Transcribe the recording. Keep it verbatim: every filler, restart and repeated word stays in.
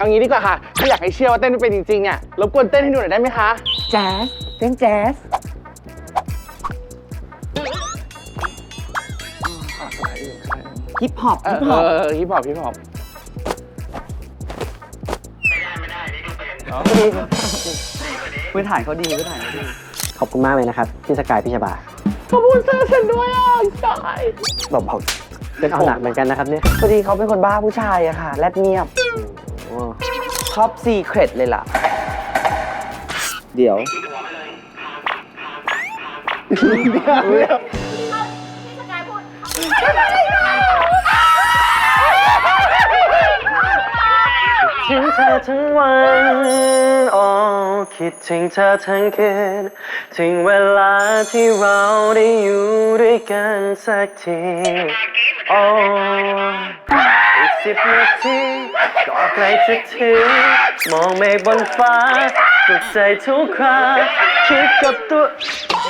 เอางี้ดีกว่าค่ะถ้าอยากให้เชื่อว่าเต้นไม่เป็นจริงๆเนี่ยรบกวนเต้นให้ดูหน่อยได้ไหมคะแจ๊สเต้นแจ๊สฮิปฮอปฮิปฮอปเออฮิปฮอปฮิปฮอปไม่ได้ไม่ได้นี่ดูเป็นพื้นฐานเขาดีพื้นฐานเขาดีขอบคุณมากเลยนะครับพี่สกายพี่ชบาขอบคุณเซอร์เซนด้วยอ่ะใช่บอกบอกเป็นเอาหนักเหมือนกันนะครับเนี่ยพอดีเขาเป็นคนบ้าผู้ชายอะค่ะแรดเงียบชอบซีเครตเลยล่ะเดี๋ยวถึงเธอทั้งวันโอ้คิดถึงเธอทั้งคืนถึงเวลาที่เราได้อยู่ด้วยกันสักทีโอ้อีกสิบนาทีก็ใกล้จะถึงมองเมฆบนฟ้าสุขใจทุกคราคิดกับตัว